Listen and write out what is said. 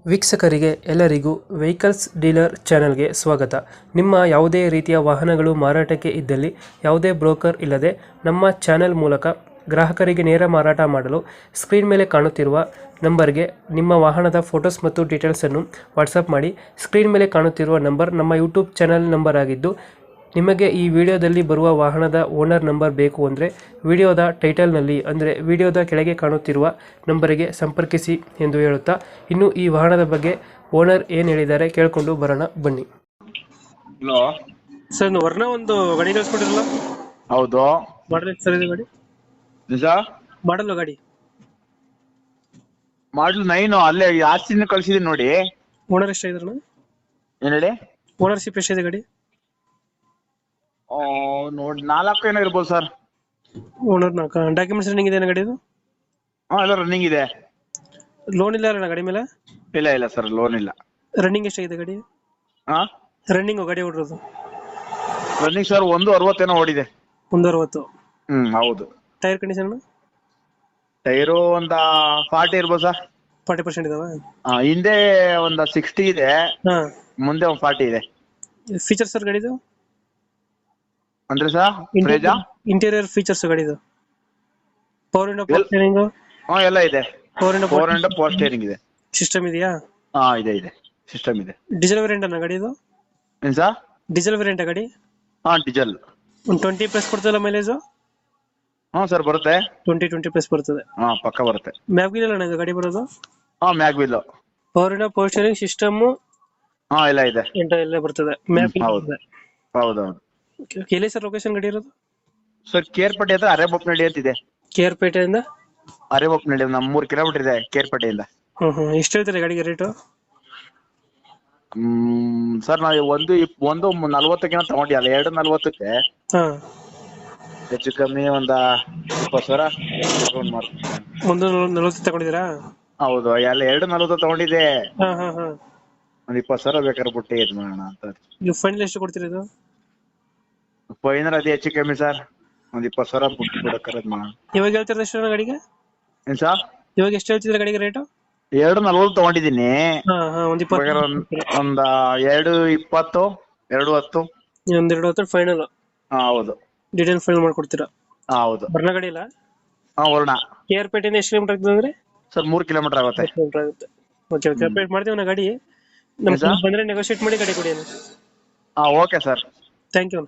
ವೀಕ್ಷಕರಿಗೆ ಎಲ್ಲರಿಗೂ vehicles dealer ಚಾನೆಲ್ಗೆ ಸ್ವಾಗತ. ನಿಮ್ಮ ಯಾವುದೇ ರೀತಿಯ ವಾಹನಗಳು ಮಾರಾಟಕ್ಕೆ ಇದ್ದಲ್ಲಿ ಯಾವುದೇ ಬ್ರೋಕರ್ ಇಲ್ಲದೆ ನಮ್ಮ ಚಾನೆಲ್ ಮೂಲಕ ಗ್ರಾಹಕರಿಗೆ ನೇರ ಮಾರಾಟ ಮಾಡಲು ಸ್ಕ್ರೀನ್ ಮೇಲೆ ಕಾಣುತ್ತಿರುವ ನಂಬರ್ಗೆ ನಿಮ್ಮ ವಾಹನದ ಫೋಟೋಸ್ ಮತ್ತು ಡೀಟೇಲ್ಸನ್ನು ವಾಟ್ಸಪ್ ಮಾಡಿ. ಸ್ಕ್ರೀನ್ ಮೇಲೆ ಕಾಣುತ್ತಿರುವ ನಂಬರ್ ನಮ್ಮ ಯೂಟ್ಯೂಬ್ ಚಾನೆಲ್ ನಂಬರ್ ಆಗಿದ್ದು, ನಿಮಗೆ ಈ ವಿಡಿಯೋದಲ್ಲಿ ಬರುವ ವಾಹನದ ಓನರ್ ನಂಬರ್ ಬೇಕು ಅಂದರೆ ವಿಡಿಯೋದ ಟೈಟಲ್ನಲ್ಲಿ ಅಂದರೆ ವಿಡಿಯೋದ ಕೆಳಗೆ ಕಾಣುತ್ತಿರುವ ನಂಬರಿಗೆ ಸಂಪರ್ಕಿಸಿ ಎಂದು ಹೇಳುತ್ತಾ, ಇನ್ನು ಈ ವಾಹನದ ಬಗ್ಗೆ ಓನರ್ ಏನು ಹೇಳಿದ್ದಾರೆ ಕೇಳಿಕೊಂಡು ಬರೋಣ ಬನ್ನಿ. ಹಲೋ ಸರ್, ವರ್ಣ ಒಂದು ಗಾಡಿ ಕಳಿಸ್ಕೊಟ್ಟಿರಲ್ಲ, ಹೌದು ಮಾಡಲ್ ಎಷ್ಟು ಸರ್ ಇದೆ ಗಾಡಿ? ನಿಜ ಮಾಡಲ್ಲ ಗಾಡಿ ಮಾಡ್ಲು 9 ಅಲ್ಲೇ ಆಸ್ತಿನ ಕಳ್ಸಿದೀನಿ ನೋಡಿ. ಓನರ್ ಎಷ್ಟಾಗಿದ್ರಣ? ಏನ್ ಹೇಳಿ? ಓನರ್ಶಿಪ್ ಎಷ್ಟಿದೆ ಗಾಡಿ? ನೋಡಿ 4 ಏನೋ ಇರ್ಬೋದು ಸರ್. ಓನರ್ ಡಾಕ್ಯುಮೆಂಟ್ಸ್ ರನ್ನಿಂಗ್ ಇದೆ ಗಾಡಿದು? ಎಲ್ಲ ರನ್ನಿಂಗ್ ಇದೆ. ಲೋನ್ ಇಲ್ಲ ಅಣ್ಣ ಗಾಡಿ ಮೇಲೆ? ಇಲ್ಲ ಸರ್, ಲೋನ್ ಇಲ್ಲ. ರನ್ನಿಂಗ್ ಎಷ್ಟಾಗಿದೆ ಗಾಡಿ? ಹಾ, ರನ್ನಿಂಗ್ ಗಾಡಿ ಓಡಿರೋದು ರನ್ನಿಂಗ್ ಸರ್ 160 ಏನೋ ಓಡಿದೆ. 160. ಹೌದು. ಟೈರ್ ಕಂಡೀಷನ್ ಟೈರು ಒಂದ 40 ಇರ್ಬೋದು ಸರ್. 40% ಇದಾವ? ಹಿಂದೆ ಒಂದ 60 ಇದೆ, ಹಾ. ಮುಂದೆ ಒಂದ್ 40 ಇದೆ. ಫೀಚರ್ಸ್ ಸರ್ ಗಾಡಿದು? ಅಂದ್ರೆ ಸರ್ ಫ್ರೇಜಾ ಇಂಟೀರಿಯರ್ ಫೀಚರ್ಸ್ ಗಾಡಿದು? Power window, power steering? ಎಲ್ಲ ಇದೆ. ಪವರ್ ಫೋರ್ ಪವರ್ ಸ್ಟೇರಿಂಗ್ ಇದೆ. ಸಿಸ್ಟಮ್ ಇದೆಯಾ? ಇದೆ ಸಿಸ್ಟಮ್ ಇದೆ. ಡೀಸೆಲ್ ವೇರಿಯಂಟ್ ಅನ್ನ ಗಾಡಿದು? ಏನ್ ಸರ್? ಡೀಸೆಲ್ ವೇರಿಯಂಟ್ ಗಾಡಿ? ಡೀಸೆಲ್. ಒಂದು 20+ ಕೊಡ್ತದಲ್ಲ ಮೈಲೇಜ್? ಸರ್ ಬರುತ್ತೆ. 20+ ಬರ್ತದೆ? ಪಕ್ಕ ಬರುತ್ತೆ. ಮ್ಯಾಗ್ವಿಲ್ ಅಣ್ಣ ಇದು ಗಾಡಿ ಬರೋದು? ಮ್ಯಾಗ್ವಿಲ್. Power window, power steering, system ಎಲ್ಲ ಇದೆ. ಎಲ್ಲ ಬರ್ತದೆ. ಮ್ಯಾಗ್ವಿಲ್. ಹೌದೌದು. ಎಲ್ಲಿ ಸರ್ ಲೊಕೇಶನ್ ಗಾಡಿ ಇರೋದು? ಸರ್ ಕೇರ್ಪೇಟೆ ಹತ್ರ ಅರೆಬೊಪ್ಪನಹಳ್ಳಿ ಅಂತಿದೆ. ಕೇರ್ಪೇಟೆಯಿಂದ ಅರೆಬೊಪ್ಪನಹಳ್ಳಿ ಒಂದು 3 ಕಿಲೋಮೀಟರ್ ಇದೆ ಕೇರ್ಪೇಟೆಯಿಂದ. ಎಷ್ಟು ಹೇಳ್ತಾರೆ ಗಾಡಿಗೆ ರೇಟು? ಸರ್ ನಾವು ಒಂದು 40 ತಗೊಂಡಿಲ್ಲ, 240ಕ್ಕೆ ಹಾ. ಹೆಚ್ಚು ಕಮ್ಮಿ ಒಂದ 20 ಸಾವಿರ ಡಿಸ್ಕೌಂಟ್ ಮಾಡ್ತೀನಿ. 140 ತಗೊಂಡಿದ್ದೀರಾ? ಹೌದು, ಎಲ್ಲ 240 ತಗೊಂಡಿದ್ದೆ. ಹಾ. ಒಂದ್ 20 ಸಾವಿರ ಬೇಕಾದ್ರೆ ಬಿಟ್ಟು ಇದ್ ಮಾಡೋಣ ಅಂತ. ನೀವು ಫೈನಲ್ ಎಷ್ಟು ಕೊಡ್ತೀರಾ ಇದು? ಫೈನಲ್ ಅದೇ ಹೆಚ್ಚು ಕಮ್ಮಿ ಸರ್, ಒಂದ್ 20 ಸಾವಿರ ಬಿಟ್ಟು ಕೊಡಕ್ಕಾರೆ ಮಾಡೋಣ. ಇವಾಗ ಹೇಳ್ತಿರೋದು ಎಷ್ಟು ಗಾಡಿಗೆ? ಏನ್ ಸರ್? ಇವಾಗ ಎಷ್ಟು ಹೇಳ್ತಿದ್ರೆ ಗಾಡಿಗೆ ರೇಟು? 240 ತಗೊಂಡಿದ್ದೀನಿ. ಒಂದ್ 20. ಒಂದ 220, 210. ಒಂದ್ 210 ಫೈನಲ್? ಹೌದು. ಡೀಟೇಲ್ ಫೈನಲ್ ಮಾಡ್ಕೊಡ್ತೀರಾ? ಹೌದು. ಬರ್ನ ಗಾಡಿ ಇಲ್ಲ? ವರ್ಣ. ಕೇರ್ಪೇಟೆಯಿಂದ ಎಷ್ಟು ಕಿಲೋಮೀಟರ್ ಆಗ್ತದೆ ಅಂದ್ರೆ? ಸರ್ 3 ಕಿಲೋಮೀಟರ್ ಆಗುತ್ತೆ. ಓಕೆ, ಅಪ್ಡೇಟ್ ಮಾಡ್ತೀವಿ ನಾ ಗಾಡಿ. ನಮ್ಗೆ ಬಂದ್ರೆ ನೆಗೋಶಿಯೇಟ್ ಮಾಡಿ ಗಾಡಿ ಕೊಡಿ. Okay sir. Thank you.